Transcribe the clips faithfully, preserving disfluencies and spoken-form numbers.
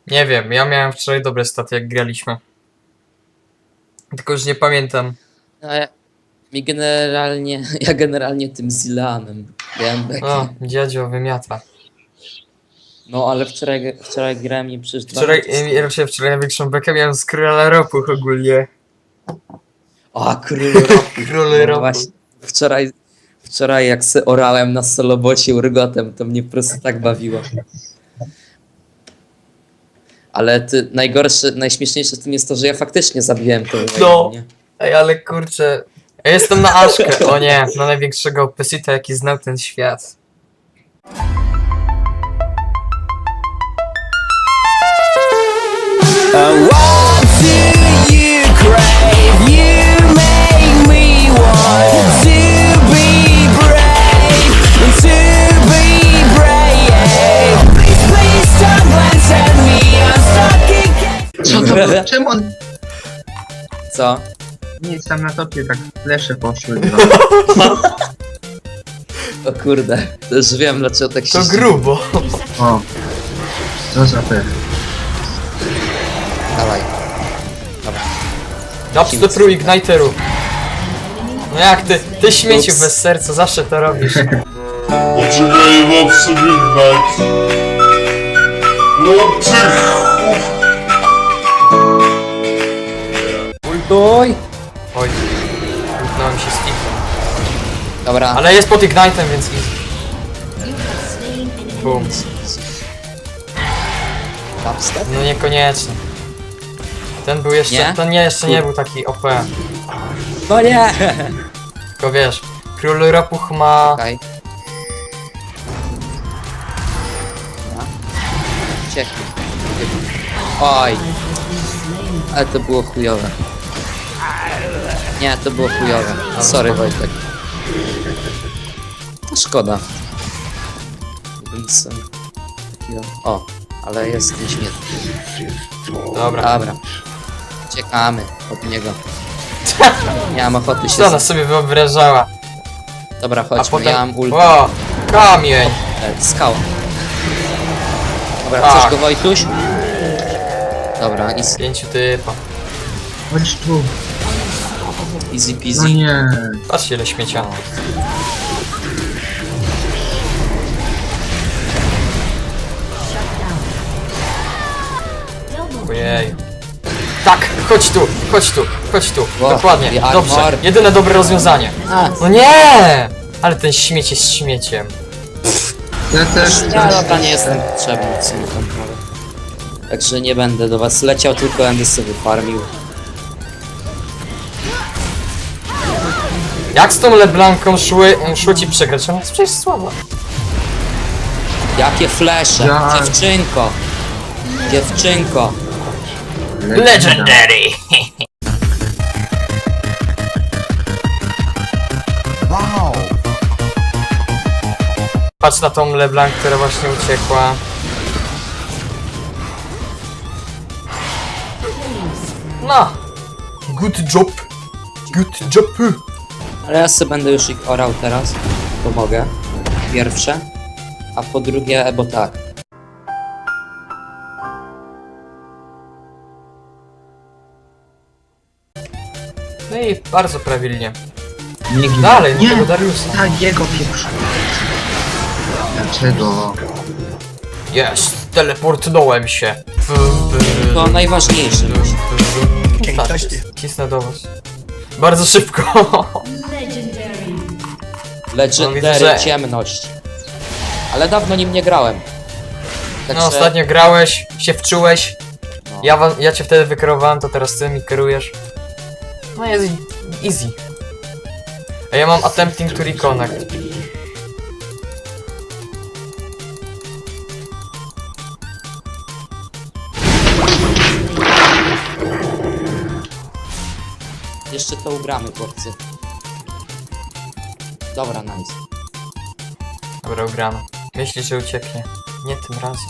Nie wiem, ja miałem wczoraj dobre staty jak graliśmy. Tylko już nie pamiętam. No, ja, mi generalnie, ja generalnie tym Zilanem miałem bekę. O, dziadzio wymiata. No ale wczoraj, wczoraj grałem i przecież dwa Wczoraj, razy ja raczej wczoraj największą bekę miałem z króla ropuch ogólnie. O, król roku. Król No ropu. właśnie, wczoraj, wczoraj jak se orałem na solobocie urgotem, to mnie po prostu tak bawiło. Ale ty, najgorsze, najśmieszniejsze w tym jest to, że ja faktycznie zabiłem to. No. Nie? Ej, ale kurczę. Ja jestem na Aszkę. O nie, na największego opesita jaki znał ten świat. What do you crave? You make me want to be brave, to be brave. Please, please don't glance at me. I'm stuck again. Co to było? Czemu on... Co? Nic, tam na topie tak flesze poszły. O kurde, to już wiem dlaczego tak się... To grubo. O, co za pech. Dawaj. Dobra. Daps do pro igniteru. No jak ty, ty śmieciu Ups. bez serca, zawsze to robisz. Poczekaj, mam sobie ignite. No ty! Ultuj! Oj, utknąłem się z kickiem. Dobra. Ale jest pod ignite'em, więc easy. Boom. Dubstep? No niekoniecznie. Ten był jeszcze, Nie? ten nie, jeszcze nie był taki O P. No nie! Tylko wiesz, król ropuch ma... Okej. Dobra. Cieknie. Oj. Ale to było chujowe. Nie, to było chujowe. Sorry Wojtek. No szkoda. Bym sobie takiego... O, ale jest nieśmiertelny. Dobra. Dobra. Uciekamy od niego. Nie mam ochoty się... Co ona sobie wyobrażała? Dobra, A chodźmy, potem... ja mam ulta. O, kamień! E, Skała. Dobra, Tak. chcesz go Wojtuś? Dobra, easy, Pięciu typa. Chodź tu. easy No peasy. nie. Patrzcie ile śmiecia. Ojej. Tak, chodź tu, chodź tu, chodź tu. Wow, Dokładnie, the dobrze. armor. Jedyne dobre rozwiązanie. A, No nie! Ale ten śmieć jest śmieciem. Ja też ja dobra, coś... nie jestem potrzebny w sumie tam nawet. Także nie będę do was leciał, tylko będę sobie farmił. Jak z tą LeBlanką szły, szło ci przegrać? Ona jest przecież słaba. Jakie flesze! Ja- Dziewczynko! Dziewczynko! Legendary! Patrz na tą LeBlanc, która właśnie uciekła. No! Good job! Good job! Ale ja sobie będę już ich orał teraz. Pomogę. Pierwsze. A po drugie, bo tak. No i bardzo prawilnie. Nie gin. Dalej, do Nie. tego Dariusa. Tak, jego pieprzu. Dlaczego? Jest! Teleportnąłem się! To najważniejsze. Tak, cisnę do was. Bardzo szybko! No, widzę, Legendary że- ciemność. Ale dawno nim nie grałem. Także... No ostatnio grałeś, się wczułeś. No. Ja, wa- ja cię wtedy wykierowałem, to teraz ty mi kierujesz. No jest easy. A ja mam attempting to reconnect. Jeszcze to ugramy, chłopcy. Dobra, nice. Dobra, ugrano. Myśli, że ucieknie. Nie tym razem.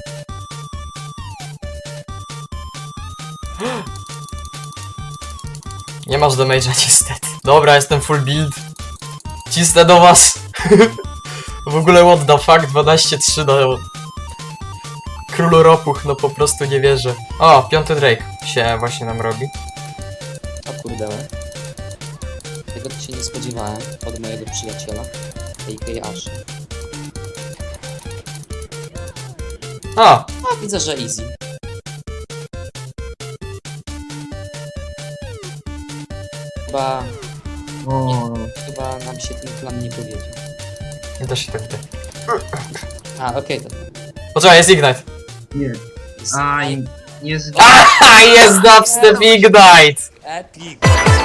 Nie masz damage'a niestety. Dobra, jestem full build. Cisnę do was. W ogóle what the fuck, dwanaście trzy do... królu ropuch, no po prostu nie wierzę. O, piąty Drake się właśnie nam robi. O kurde. Tego to się nie spodziewałem od mojego przyjaciela, A K Ash. O, No widzę, że easy. Chyba, O, chyba nam się ten plan nie powiedział. i to się tak wydaje. A, okej, to Poczekaj, jest Ignite. nie. jest Aj, nie z... Aha, jest dubstep Ignite! epic.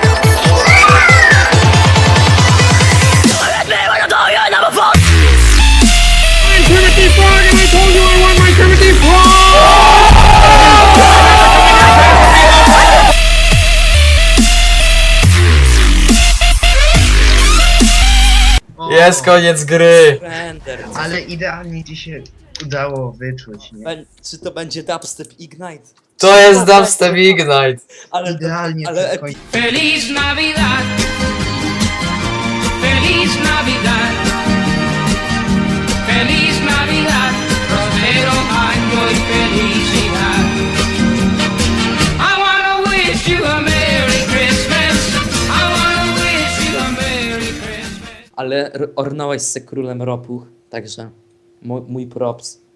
O, Jest koniec gry! Render. Ale idealnie ci się udało wyczuć, nie? Bę- Czy to będzie dubstep Ignite? To jest dubstep Ignite! Ale, Idealnie ale to epic. skończy. Feliz Navidad. Feliz Navidad. Feliz Navidad. Prospero año y felicidad. I wanna wish you a Merry Christmas. I wanna wish you a Merry Christmas. Ale r- ornąłeś se królem ropuch, także mój, mój props.